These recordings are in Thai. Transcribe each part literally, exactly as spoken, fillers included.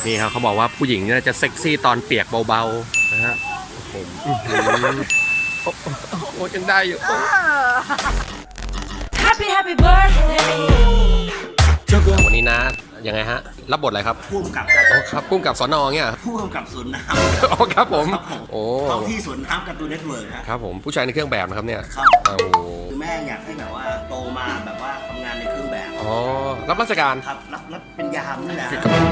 นี่ครับเขาบอกว่าผู้หญิงเนี่ยจะเซ็กซี่ตอนเปียกเบาๆนะฮะผมโอ้โหยังได้อยู่ Happy Happy Birthday วันนี้นะยังไงฮะรับบทอะไรครับผู้กำกับอ๋อครับพุ่มกับสนเงี้ยผู้กำกับสวนน้ำอ๋อครับผมโอ้ท้องที่สวนน้ำการ์ตูนเน็ตเวิร์กครับครับผมผู้ชายในเครื่องแบบนะครับเนี่ยครับโอ้โหคือแม่อยากให้แบบว่าโตมาแบบว่าทำงานในเครื่องแบบอ๋อรับราชการครับรับรับเป็นยามนี่แหละ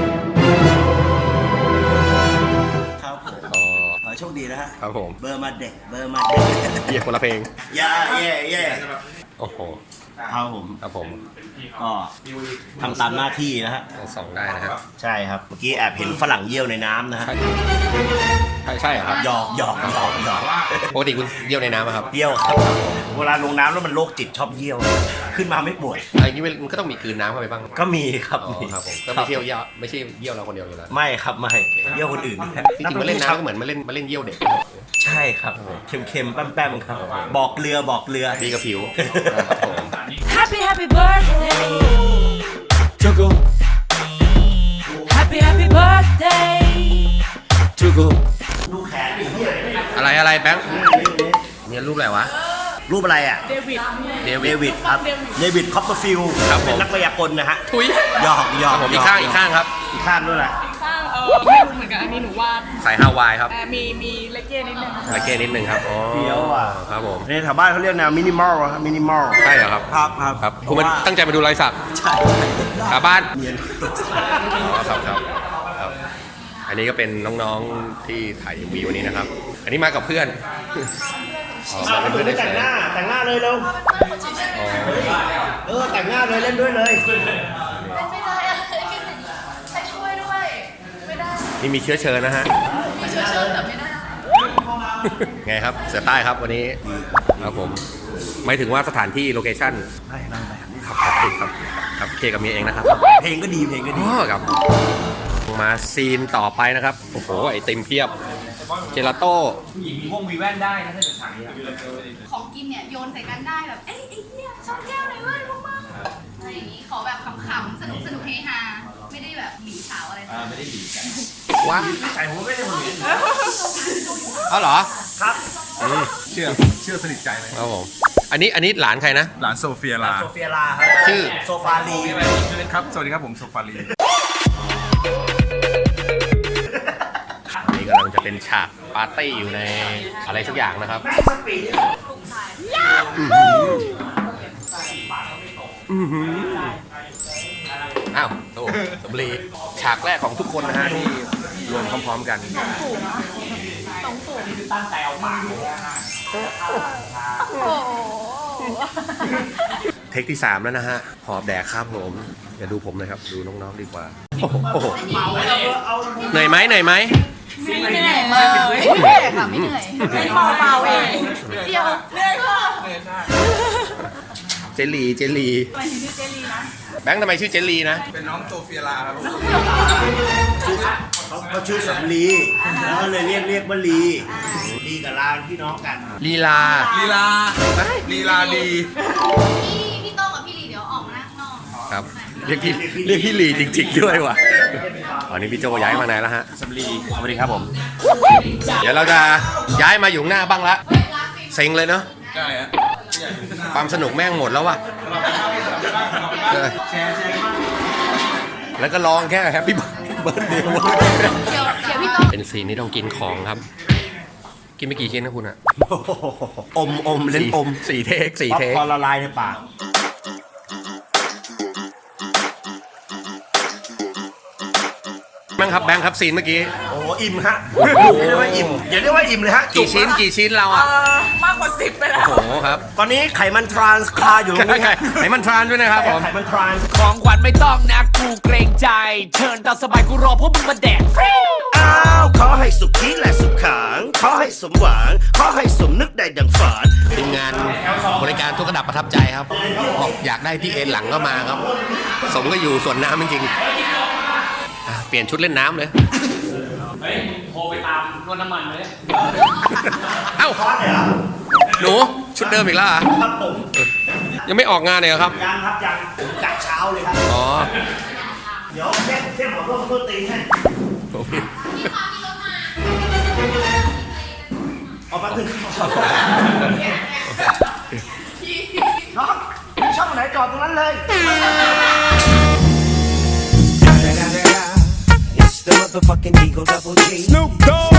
ครับผมอ๋อขอให้โชคดีนะฮะครับผมเบอร์มาเด็กเบอร์มาเด็กเยี่ยคนละเพลงย่าเย่เย่โอ้โหครับผมครับผมก็ทำตามหน้าที่นะฮะสองได้นะครับใช่ครับเมื่อกี้แอบเห็นฝรั่งเยี่ยวในน้ำนะฮะใช่ใช่ใช่เหรอครับหยอกหยอกหยอกหยอกปกติคุณเยี่ยวในน้ำไหมครับเยี่ยวครับเวลาลงน้ำแล้วมันโรคจิตชอบเยี่ยว ขึ้นมาไม่ป่วยอะไรนี้มันก็ต้องมีกลืนน้ำเข้าไปบ้างก็มีครับอ๋อมีครับผมก็ไม่เที่ยวเยี่ยวไม่ใช่เยี่ยวเราคนเดียวอยู่แล้วไม่ครับไม่เยี่ยวคนอื่นจริงๆมาเล่นน้ำก็เหมือนมาเล่นมาเล่นเยี่ยวเด็กใช่ครับเค็มๆแป้มๆครับ บอกเรือบอกเรือดีกับผิวครับผม Happy Happy Birthday Happy Happy Birthday ดูแขนดิเหี้ยอะไรอะไรแบงค์เนี่ยรูปอะไรวะรูปอะไรอ่ะเดวิดเดเดวิดวิดครับเดวิดคอปเปอร์ฟิลด์ครับผมเป็นนักพยากรณ์นะฮะทุยหยอกหยอกผมอีกข้างอีกข้างครับอีกข้างด้วยแหละข้างเออไม่รู้เหมือนกันอันนี้หนูวาดสายฮาวายครับแต่มีมีเลกเก้นิดนึงตะเกนิดนึงครับอ๋อเฟี้ยวอ่ะครับผมในแถวบ้านเขาเรียกแนวมินิมอลครับมินิมอลใช่เหรอครับครับครับครับคุณมันตั้งใจมาดูรอยสักใช่ขาบ้านเนียนอ๋อครับครับครับ อันนี้ก็เป็นน้องๆที่ถ่ายวีวันนี้นะครับ อันนี้มากับเพื่อนอ๋อมาเป็นเพื่อนได้แต่ใช่งหน้าแต่งหน้าเลยเร็วอ๋อเออแต่งหน้าเลยเล่นด้วยเลยไม่ได้ใครช่วยด้วย ไม่ได้นี่มีเชื้อเชิญนะฮะมีช่วยเชิญแต่ไม่ได้ไงครับเสือใต้ครับวันนี้ครับผมหมายถึงว่าสถานที่โลเคชั่นไม่นางแบบนี้ครับครับครับครับเคกับเมียเองนะครับเพลงก็ดีเพลงก็ดีอ๋อครับมาซีนต่อไปนะครับโอ้โหไอติมเพียบเจลาโต้ของกินเนี่ยโยนใส่กันได้แบบ เอ้ยไอ้เหี้ยชนแก้วหน่อยเว้ยพวกมึงอะไรอย่างนี้ ขอแบบขำๆ สนุกสนุกเฮฮา ไม่ได้แบบหลีสาวอะไรไม่ได้หลีว้าใส่หัวไม่ได้ผมเห็นเอาเหรอครับอืมเชื่อเชื่อสนิทใจไหมครับผมอันนี้อันนี้หลานใครนะหลานโซเฟียลาโซเฟียลาครับชื่อโซฟาลีครับ สวัสดีครับผมโซฟารีอันนี้กำลังจะเป็นฉากปาร์ตี้อยู่ในอะไรสักอย่างนะครับสปีดอ้าวโอ้สำลีฉากแรกของทุกคนนะฮะที่รวมพร้อมๆกันเทคที่สามแล้วนะฮะหอบแดกครับผมอย่าดูผมเลยครับดูน้องๆดีกว่าโอ้โหเหนื่อยไหมเหนื่อยไหมไม่เหนื่อยเลยไม่เหนื่อยค่ะ ไม่เหนื่อยไม่เมาเมาเองเดียวเหนื่อยค่ะเจลลีเจลลีแบงค์ทำไมชื่อเจลลีนะเป็นน้องโซเฟียลาครับเขาเขาชื่อสำลีแล้วก็เลยเรียกเรียกว่าลีลีกับลาพี่น้องกันลีลาลีลาลีลาดีพี่พี่โต้งกับพี่ลีเดี๋ยวออกมานั่งนอกครับเรียกพี่เรียกพี่ลีจริงๆด้วยว่ะตอนนี้พี่โจย้ายมาไหนแล้วฮะสำลีสวัสดีครับผมเดี๋ยวเราจะย้ายมาอยู่หน้าบ้างละเซ็งเลยเนาะใช่ฮะความสนุกแม่งหมดแล้วว่ะเออแล้วก็ร้องแค่แฮปปี้เบิร์ดเดย์เดี๋ยวเดี๋ยวพี่โต้งเป็นซีนที่ต้องกินของครับ กินไปกี่ชิ้นนะคุณอะอมอมเล่นอมสี่เทคสี่ป๊อปเทคคอร์นละลายในปากบ้างครับแบงค์ครับซีนเมื่อกี้โอ้อิ่มฮะอย่าเรียกว่าอิ่มอย่าเรียกว่าอิ่มเลยฮะกี่ชิ้นกี่ชิ้นเราอะมากกว่าสิบไปแล้วโอ้โหครับตอนนี้ไขมันทรานส์คาอยู่ตรงนี้ฮะไหนมันทรานด้วยนะครับผมไขมันทรานส์ของขวัญไม่ต้องนะกูเกรงใจ เชิญตามสบายกูรอพวกมึงมาแดกอ้าวขอให้สุขีและสุขขังขอให้สมหวังขอให้สมนึกได้ดังฝันทีมงานบริการทุกระดับประทับใจครับบอกอยากได้ที่เอ็นหลังก็มาครับ สมก็อยู่ส่วนน้ำจริงๆอ่ะเปลี่ยนชุดเล่นน้ำเลยเฮ้ยโทรไปตามนวดน้ำมันเลยเอ้าหนูชุดเดิมอีกแล้วเหรอครับผมยังไม่ออกงานเลยเหรอครับยังครับยังผมกะเช้าเลยครับอ๋อเดี๋ยวแค่แค่หมอร่วมต้นตีให้เอาแป๊บนึงน้องมีช่องไหนจอดตรงนั้นเลย It's the motherfucking Eagle Double G. Snoop Dogg.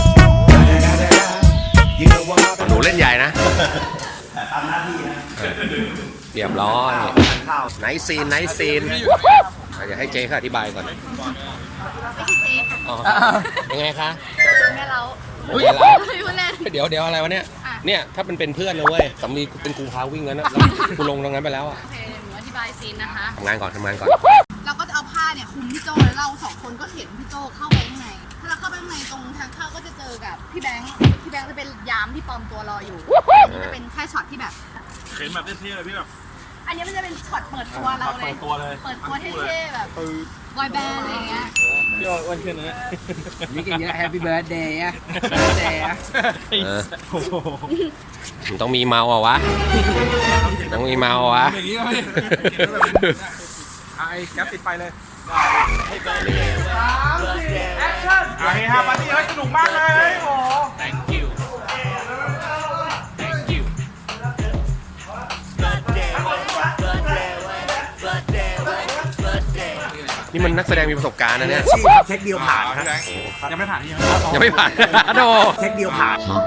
You know what I'm หนูเล่นใหญ่นะตามหน้าที่นะเรียบร้อยข้าวไนท์ซีนไนท์ซีนเดี๋ยวให้เจ๊เขาอธิบายก่อนไม่ใช่เจ๊ค่ะอ๋อยังไงคะแม่เราเดี๋ยวเราไม่พูดเล่นเดี๋ยวเดี๋ยวอะไรวะเนี่ยอ่ะเนี่ยถ้าเป็นเป็นเพื่อนนะเว้ยสามีเป็นกูพาวิ่งแล้วนะแล้วกูลงตรงนั้นไปแล้วอะโอเคหนูอธิบายซีนนะคะทำงานก่อนทำงานก่อนเราก็จะเอาผ้าเนี่ยคลุมพี่โจแล้วเราสองคนก็เห็นพี่โจเข้าไปข้างใน ถ้าเราเข้าไปข้างในตรงทางเข้าก็จะเจอกับพี่แบงค์ พี่แบงค์จะเป็นยามที่ปลอมตัวรออยู่อันนี้จะเป็นแค่ช็อตที่แบบเข็นแบบเท่ๆเลยพี่แบบอันนี้มันจะเป็นช็อตเปิดตัวเราเลยเปิดตัวเลยเปิดตัวเท่ๆแบบบอยแบนด์อะไรอย่างเงี้ยพี่อ้วนขึ้นนะนี่กันเยอะแฮปปี้เบิร์ดเดย์อะเบิร์ดเดย์อะเออมันต้องมีเมาอ่ะวะ ต้องมีเมาอ่ะวะอย่างนี้ก็ไม่ไอ้แก๊ปติดไฟเลยโอเคครับปาร์ตี้ให้สนุกมากเลยโอ้ Thank you Thank you นี่มันนักแสดงมีประสบการณ์นะเนี่ยชีพครับเช็คเดียวผ่านครับยังไม่ผ่านที่ยังยังไม่ผ่าน โดเช็คเดียวผ่าน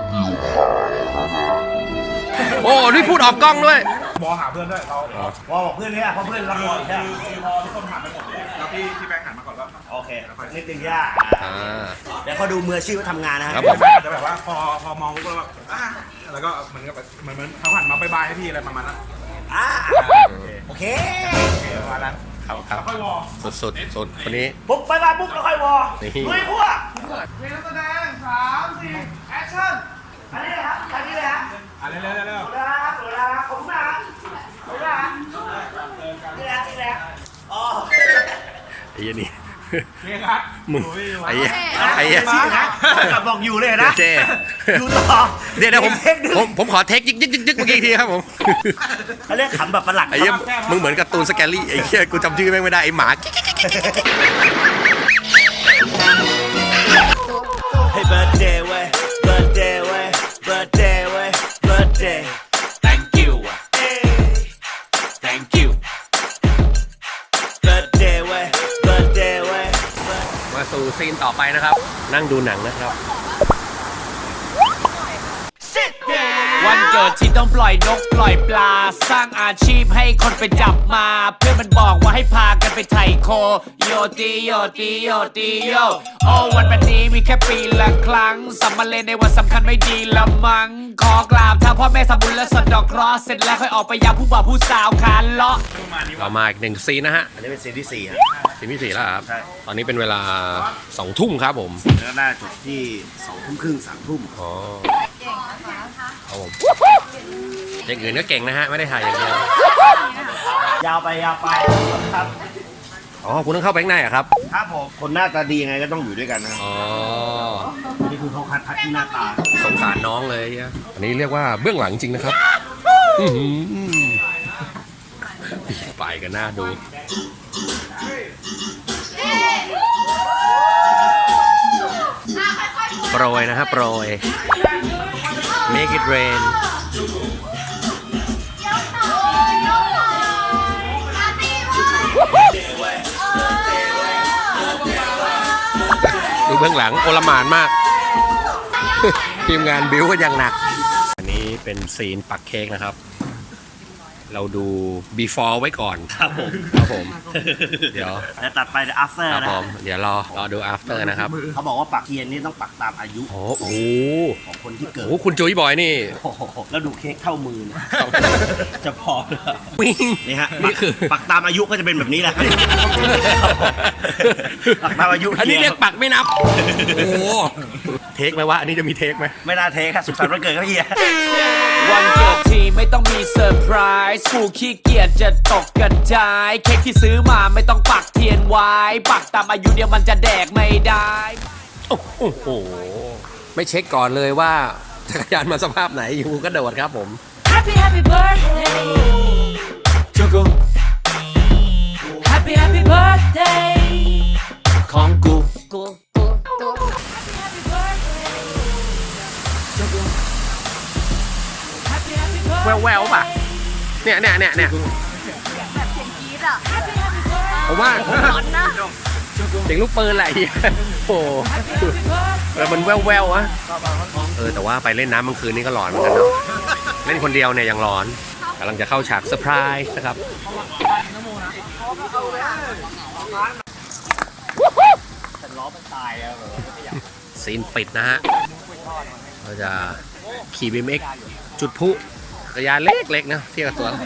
โอ้นี่พูดออกกล้องด้วยบอหาเพื่อนด้วยเราพอบอกเพื่อนเนี่ยเพราะเพื่อนรับรองใช่ไหมคือพอทุกคนผ่านไปหมดเลยแล้วพี่พี่แบงค์หันมาก่อนแล้วโอเคนิดนึงยากอ่าเดี๋ยวเขาดูมืออาชีพว่าทำงานนะครัฮะบผมจะแบบว่าพอพอมองปุ๊บแล้วแบบอ่ะแล้วก็เหมือนกับเหมือนเหมือนเขาหันมาบายบายให้พี่อะไรประมาณนั้นอ่าโอเคประมาณนั้นครับครับค่อยวอสุดสุดสุดคนนี้ปุ๊บไปไปปุ๊บแล้วค่อยวอนี่ลุยพวกเพลงนักแสดงสามสี่แอคชั่นอันนี้เลยครับอันนี้เลยฮะอ่ะเร็วเร็วเร็วเวลาครับเวลาครับผมนะผมนะนี่แหละนี่แหละอ๋อไอ้เหี้ยนี่เพลงครับมึงโอ้ยไอ้เหี้ยไอ้เหี้ยอาชีพนะกลับบอกอยู่เลยนะเจ๊อยู่ต่อเดี๋ยวเดี๋ยวผมเช็คดึงผมผมขอเทคยึกยึกยึกยึกเมื่อกี้อีกทีครับผมเขาเรียกขำแบบประหลัดไอ้เหี้ยมึงเหมือนการ์ตูนสแกลลี่ไอ้เหี้ยกูจำชื่อแม่งไม่ได้ไอ้หมาให้ birthday เว้ย birthday เว้ย birthday เว้ย birthday Thank you เอ้ย Thank you birthday เว้ย birthday เว้ยมาสู่ซีนต่อไปนะครับ นั่งดูหนังนะครับวันเกิดที่ต้องปล่อยนกปล่อยปลา สร้างอาชีพให้คนไปจับมา เพื่อนมันบอกว่าให้พากันไปไถ่โค โยตีโยตีโยตีโยโอ้วันแบบนี้มีแค่ปีละครั้งสัมมาเลนในวันสำคัญไม่ดีละมัง ขอกราบทางพ่อแม่สมบุญและสะเดอกเคราะห์เสร็จแล้วค่อยออกไปยามผู้บ่าวผู้สาวคานเลาะต่อมาอีกหนึ่งซีนนะฮะอันนี้เป็นซีนที่สี่ฮะซีนที่สี่แล้วครับใช่ตอนนี้เป็นเวลาสองทุ่มครับผมแล้วน่าจบที่สองทุ่มครึ่งสามทุ่มอ๋อครับผมอย่างอื่นก็เก่งนะฮะ ไม่ได้ถ่ายอย่างเดียวยาวไปยาวไปครับอ๋อ คุณต้องเข้าไปข้างในเหรอะครับครับผมคนหน้าตาดียังไงก็ต้องอยู่ด้วยกันนะครับอ๋ออันนี้คือเขาคัดพัดที่หน้าตาสงสารน้องเลยเหี้ยอันนี้เรียกว่าเบื้องหลังจริงนะครับอื้อหือไปกันหน้าดู โปรยนะครับโปรย make it rain ดูเบื้องหลังโอลหม่านมาก ทีมงานบิวก็ยังหนัก อันนี้เป็นซีนปักเค้กนะครับ เราดู before ไว้ก่อนครับผมครับผม เดี๋ยวแล้วตัดไป after ครับนะผม เดี๋ยวรอรอดู after นะครับเขาบอกว่าปักเทียนนี่ต้องปักตามอายุโอ้โหของคนที่เกิดโอ้โหคุณจุ้ยบอยนี่โอ้โหแล้วดูเค้กเท่ามือเนี่ยจะพอเหรอวิ่งนี่ฮะนี่คือปักตามอายุก็จะเป็นแบบนี้แหละ ปักตามอายุอันนี้เรียกปักไม่นับ โอ้โห เทคไหมวะ อันนี้จะมีเทคไหมไม่น่าเทครับสุขสันต์วันเกิดเขาเฮียวันเกิดทีไม่ต้องมีเซอร์ไพรส์กูขี้เกียจจะตกกระจาย เค้กที่ซื้อมาไม่ต้องปักเทียนไว้ ปักตามอายุเดียวมันจะแดกไม่ได้โอ้โห ไม่เช็คก่อนเลยว่าจักรยานมาสภาพไหนอยู่ก็โดดครับผม Happy happy birthday Jungle Happy happy birthday ของกูกู Happy birthday. Happy happy birthday. แววแววๆป่ะ เนี่ยเนี่ยเนี่ยเนี่ยแบบเสียงกรี๊ดอ่ะ Happy happy birthday. ผมว่าร้อนนะเสียงลูกปืนแหละเฮียโอ้โห Happy birthday. แล้วมันแววแววๆอะเออแต่ว่าไปเล่นน้ำกลางคืนนี่ก็หลอนเหมือนกันเนาะเล่นคนเดียวเนี่ยยังหลอนกำลังจะเข้าฉากเซอร์ไพรส์นะครับซีนปิดนะฮะเราจะขี่บีเอ็กจุดพลุจักรยานเล็กๆนะเทียบกับตัว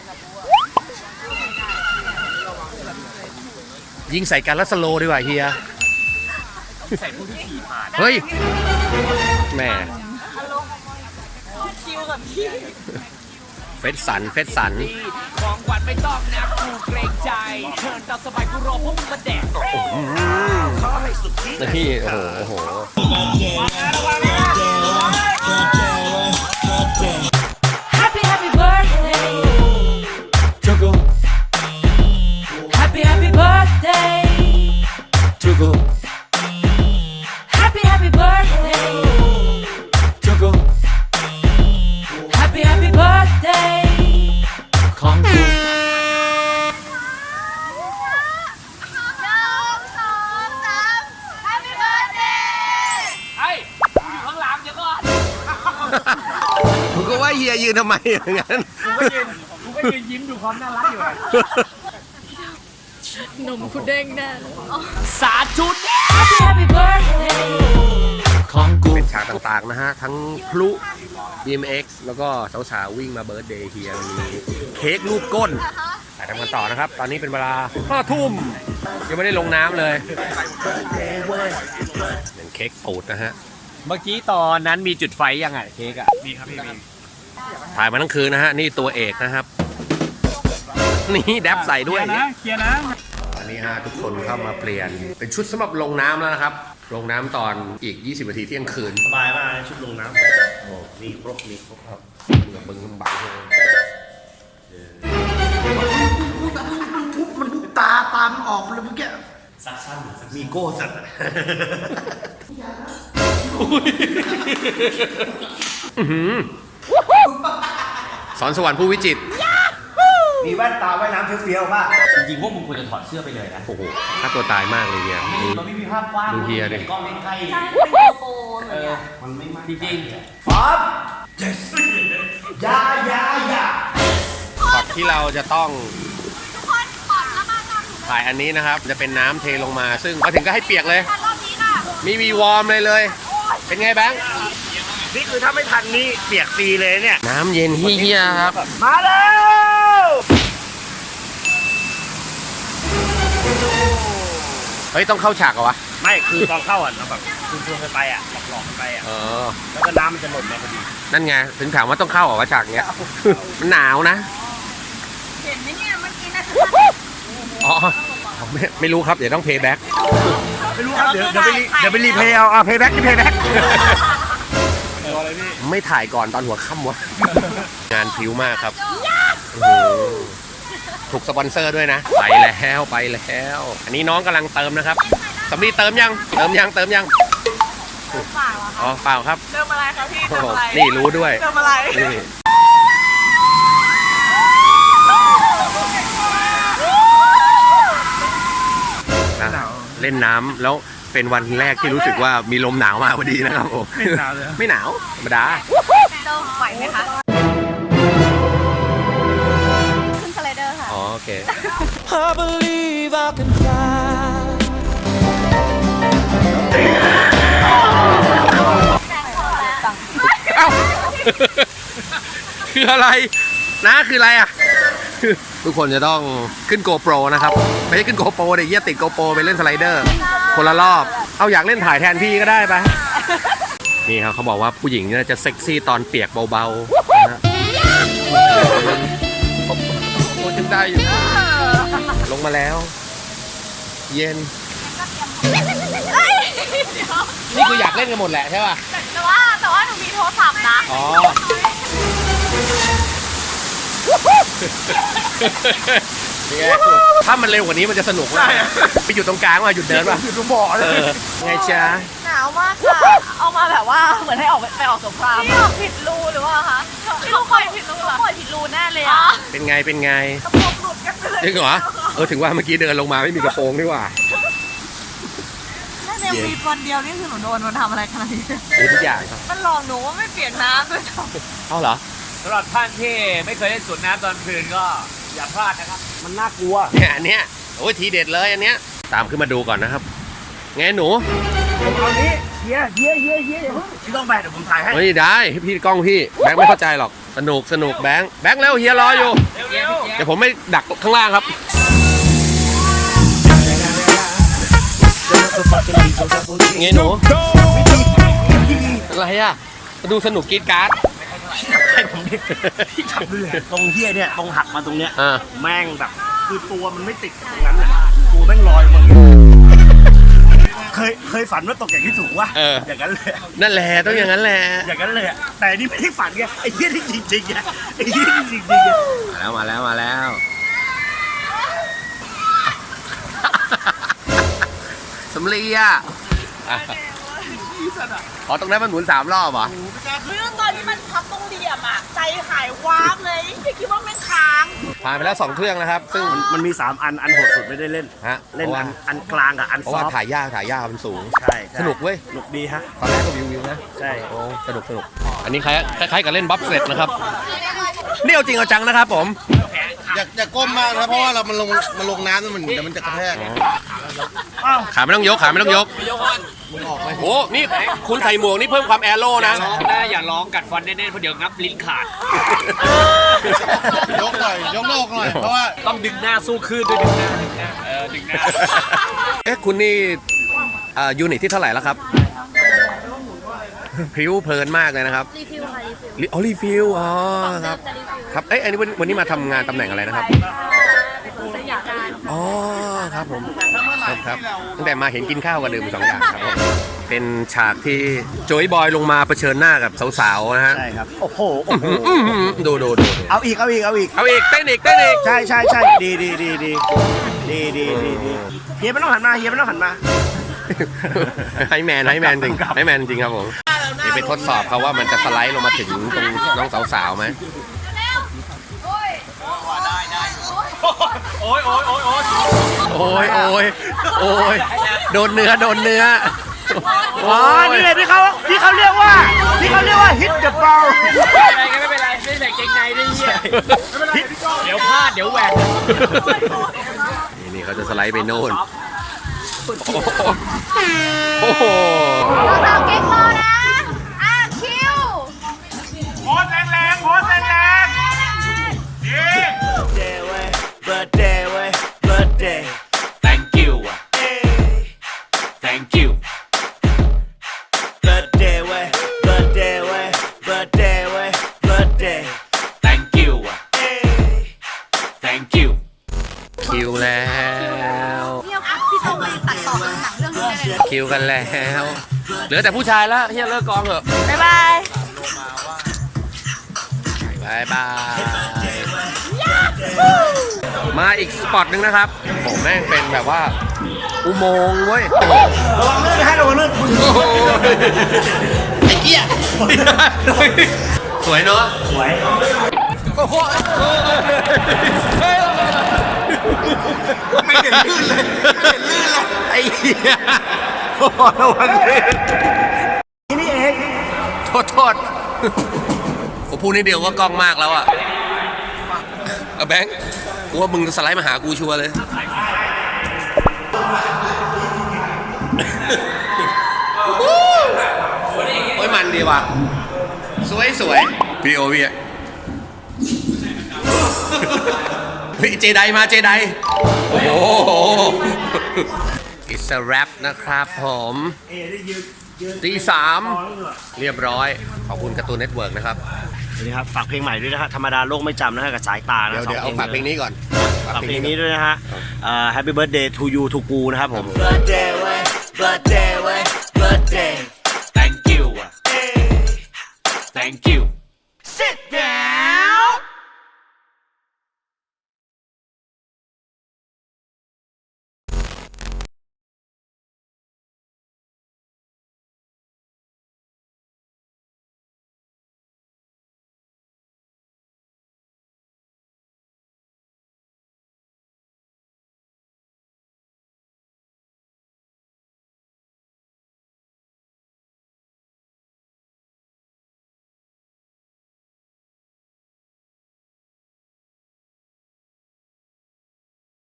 ยิงใส่กันแล้วสโลว์ดีกว่าเฮียเฮ้ยแม่เฟสสันเฟสสันของขวัญไม่ต้องนะกูเกรงใจเชิญตามสบายกูรอพวกมึงมาแดกนี่โอ้โหโอ้โห Happy happy birthday. Happy happy birthday. Happy happy birthday. Happy happy birthday. ของกูหนึ่งสองสาม Happy birthday ไอ้กูอยู่ข้างหลังเดี๋ยวก่อนผมก็ว่าเฮียยืนทำไมอย่างนั้นกูก็ยืนกูก็ยืนยิ้มดูความน่ารักอยู่อะนมคุณเด้งแน่สาธุ Happy happy birthday. ของกูเป็นฉากต่างๆนะฮะ ทั้งพลุ บี เอ็ม เอ็กซ์ แล้วก็สาวๆวิ่งมาเบิร์ธเดย์เฮียมีเค้กรูปก้นถ่ายทำกันต่อนะครับ ตอนนี้เป็นเวลาห้าทุ่มยังไม่ได้ลงน้ำเลยเป็นเค้กปูดนะฮะเมื่อกี้ตอนนั้นมีจุดไฟยังไงเค้กอะมีครับพี่มีถ่ายมาทั้งคืนนะฮะ นี่ตัวเอกนะครับ นี่แดบใส่ด้วยเคลียร์นะตอนนี้ฮะทุกคนเข้ามาเปลี่ยน เป็นชุดสำหรับลงน้ำแล้วนะครับ ลงน้ำตอนอีก ยี่สิบ นาทีเที่ยงคืนสบายมากชุดลงน้ำโอ้มีครบ มีครบครับเหมือนบึงบังเลยมันพุบตาตามออกเลยเมื่อกี้สักสั้นมีโก้สัตว์สอนสวรรค์ผู้วิจิตรมีแว่นตาว่ายน้ำเฟี้ยวๆป่ะจริงๆพวกมึงควรจะถอดเสื้อไปเลยนะโอ้โหฆ่าตัวตายมากเลยเนี่ยดูมันไม่มีภาพกว้างดูเฮียดิกล้องใกล้ๆใช่เป็นโกโปรเหมืเออนอกันมันไม่มากจริงๆป๊อปเจสยายายาช็อตที่เราจะต้องทุกคนขอระบายน้ำหนูถ่ายอันนี้นะครับ จะเป็นน้ำเทลงมา ซึ่งมาถึงก็ให้เปียกเลยทันรอบนี้ค่ะมีวีวอร์มเลยเลย เป็นไงแบงค์นี่คือถ้าไม่ทันนี่เปียกฟรีเลยเนี่ยน้ำเย็นเฮียๆครับมาแล้วเฮ้ย ต้องเข้าฉากเหรอวะไม่คือตอนเข้าอ่ะแบบคุณชวนกันไปอ่ะหลอกๆกันไปอ่ะเออแล้วก็น้ำมันจะหล่นมาพอดีนั่นไง ถึงถามว่าต้องเข้าเหรอวะฉากเนี้ย มันหนาวนะเห็นไหมเนี่ยเมื่อกี้นะอ๋อไม่ไม่รู้ครับ เดี๋ยวต้องเพย์แบ็กไม่รู้ครับเดี๋ยวเดี๋ยวไปรีเดี๋ยวไปรีเพย์เอาอ่ะเพย์แบ็กที่เพย์แบ็กไม่ถ่ายก่อนตอนหัวค่ำวะ งานผิวมากครับโอ้โหถูกสปอนเซอร์ด้วยนะ ไปแล้วไปแล้ว อันนี้น้องกำลังเติมนะครับสำลีเติมยัง เติมยังเติมยังเปล่าอะอ๋อเปล่าครับเติมอะไรคะพี่โอ้เติมโหอะไรนี่รู้ด้วยเติมอะไรนี่นะเล่นน้ำแล้วเป็นวันแรกที่รู้สึกว่ามีลมหนาวมาพอดีนะครับผมไม่หนาวเลยไม่หนาวธรรมดาโจไหวไหมคะ ขึ้นสไลเดอร์ค่ะอ๋อโอเค I believe I can fly เอ้า คืออะไรนะคืออะไรอ่ะ ทุกคนจะต้องขึ้นโกโปรนะครับ ไม่ใช่ขึ้นโกโปรเดี๋ยวเยี่ยติดโกโปรไปเล่นสไลเดอร์ คนละรอบ เอาอยากเล่นถ่ายแทนพี่ก็ได้ปะนี่ครับเขาบอกว่าผู้หญิงเนี่ยจะเซ็กซี่ตอนเปียกเบาๆนะฮะโอ้ยังได้อยู่ ลงมาแล้ว เย็น นี่คืออยากเล่นกันหมดแหละใช่ป่ะแต่ว่าแต่ว่าหนูมีโทรศัพท์นะอ๋อถ้ามันเร็วกว่านี้มันจะสนุกมากไปอยู่ตรงกลางว่ะหยุดเดินว่ะอยู่ตรงบ่อเลยไงจ๊ะหนาวมากค่ะ เอามาแบบว่าเหมือนให้ออกไปออกสงครามนี่ออกผิดรูหรือว่าคะพี่ต้องปล่อยผิดรูเหรอปล่อยผิดรูแน่เลยอ่ะเป็นไงเป็นไงกระโปรงหลุดกันไปเลยจริงเหรอเออถึงว่าเมื่อกี้เดินลงมาไม่มีกระโปรงนี่หว่าแค่ในวีวันเดียวนี่คือหนูโดนมันทำอะไรขนาดนี้มีทุกอย่างครับมันหลอกหนูว่าไม่เปียกน้ำด้วยซ้เอาเหรอสำหรับท่านที่ไม่เคยเล่นสวนน้ำตอนคืนก็อย่าพลาดนะครับมันน่ากลัวเนี่ยอันเนี้ยโอ้ยทีเด็ดเลยอันเนี้ยตามขึ้นมาดูก่อนนะครับไงหนูผมเอานี้เฮียเฮียเฮียเฮียพี่ต้องไปเดี๋ยวผมถ่ายให้เฮ้ยได้พี่กล้องพี่แบงค์ไม่เข้าใจหรอกสนุกสนุกแบงค์แบงค์เร็วเฮียรออยู่เร็วเดี๋ยวผมไม่ดักข้างล่างครับ ไงหนูอะไรอ่ะมาดูสนุกกรีดการ์ดใช่ผมดิพี่จับดูเลยตรงเฮียเนี่ยตรงหักมาตรงเนี้ยอ่าแม่งแบบคือตัวมันไม่ติดกับตรงนั้นน่ะตัวแม่งลอยมาเคยเคยฝันว่าตกอย่างที่สูงวะเอออย่างนั้นเลยนั่นแหละต้องอย่างนั้นแหละอย่างนั้นเลยอะแต่นี่ไม่ได้ฝันไงไอ้เหี้ยที่จริงๆไงไอ้เหี้ยที่จริงๆไงมาแล้วมาแล้วมาแล้วสำลีอ่ะอ๋อตรงนั้นมันหมุนสามรอบเหรอำเรื่องตอนที่มันพับตรงเหลี่ยมอ่ะใจหายวาบเลยพี่คิดว่าแม่งค้างผ่านไปแล้วสองเครื่องนะครับ ซึ่งมันมีสามอันอันโหดสุดไม่ได้เล่นฮะเล่นเพราะอัว่านอันกลางกับอันเพราะซอว่าฟต์ถ่ายยากถ่ายยากมันสูงใช่ใช่สนุกเว้ยสนุกดีฮะตอนแรกก็วิววิวนะใช่โอ้สนุกสนุกอันนี้คล้ายคล้ายๆกับเล่นบัฟเฟล็ตนะครับนี่เอาจริงเอาจังนะครับผมอย่าอย่าก้มมากนะเพราะว่าเรามันลงมันลงน้ำแล้วมันเดี๋ยวมันจะกระแทกขาไม่ต้องยกขาไม่ต้องยกโอ้นี่คุณใส่หมวกนี่เพิ่มความแอโร่นะร้องนะอย่าร้องกัดฟันแน่นๆเพราะเดี๋ยวงับลิ้นขาดยกหน่อยยกโลกหน่อยเพราะว่าต้องดึงหน้าสู้คลื่นด้วยดึงหน้าดึงหน้าเออดึงหน้าเอ๊ะคุณนี่อ่ายูนิตที่เท่าไหร่แล้วครับพริ้วเพลินมากเลยนะครับรีฟิลค่ะรีฟิลรีอ๋อรีฟิลอ๋อครับครับเอ้ยอันนี้วันวันนี้มาทำงานตำแหน่งอะไรนะครับสยามการอ๋อครับผมครับครับตั้งแต่มาเห็นกินข้าวกับดื่มสองอย่างครับผมเป็นฉากที่โจยบอยลงมาเผชิญหน้ากับสาวๆนะฮะใช่ครับโอ้โหโอ้โหอื้อหือดูดูดูดูเอาอีกเอาอีกเอาอีกเอาอีกเต้นอีกเต้นอีกใช่ใช่ใช่ดีดีดีดีดีดีดีดีเฮียไม่ต้องหันมาเฮียไม่ต้องหันมาไฮแมนไฮแมนจริงไฮแมนจริงครับผมเดี๋ยวไปทดสอบเขาว่ามันจะสไลด์ลงมาถึงตรงน้องสาวๆไหมโอ้ยโอ้ยโอ้ยโอ้ยโอ้ยโอ้ยโอ้ยโดนเนื้อโดนเนื้ออ๋อนี่เลยที่เขาที่เขาเรียกว่าที่เขาเรียกว่า hit the ball ไม่เป็นไรไม่เป็นไรไม่ใส่เกงในด้วยเหี้ยเดี๋ยวพลาดเดี๋ยวแหวกนี่นี่เขาจะสไลด์ไปโน่นโอ้โหสาวเก๊กรอนะอ่ะคิวโพสแรงๆโพสแรงๆดี birthday เว้ย birthday เว้ย birthday thank you thank you birthday เว้ย birthday เว้ย birthday เว้ย birthday thank you thank you คิวแล้วพี่เอาพี่โตมาตัดต่อเป็นหนังเรื่องนี้ได้เลยคิวกันแล้วเหลือแต่ผู้ชายแล้วเฮียเลิกกองเถอะบ๊ายบายบายบายมาอีกสปอตหนึ่งนะครับผมแม่งเป็นแบบว่าอุโมงค์เว้ยระวังลื่นนะฮะระวังลื่นโอ้โหไอ้เกี้ยสวยเนาะสวยโอ้โหไม่เห็นลื่นเลยไม่เห็นลื่นเลยไอ้เหี้ยโอ้โหระวังลื่นนี่เองโทษโทษผมพูดนิดเดียวก็กล้องมากแล้วอ่ะเอาแบงค์กูว่ามึงสไลด์มาหากูชัวร์เลยโอ้ยมันดีว่ะสวยสวยพี่โอพี่เฮ้ยเจไดมาเจไดโอ้โห It's a wrap นะครับผมตีสามเรียบร้อย ขอบคุณการ์ตูนเน็ตเวิร์กนะครับนี่ครับฝากเพลงใหม่ด้วยนะฮะธรรมดาโลกไม่จำนะฮะกับสายตานะเดี๋ยวเดี๋ยวเอาฝากเพลงนี้ก่อนฝากเพลงนี้ด้วยนะฮะเอ่อ Happy Birthday to you to กูนะครับผม Birthday เว้ย Birthday เว้ย Birthday thank you thank you Sit down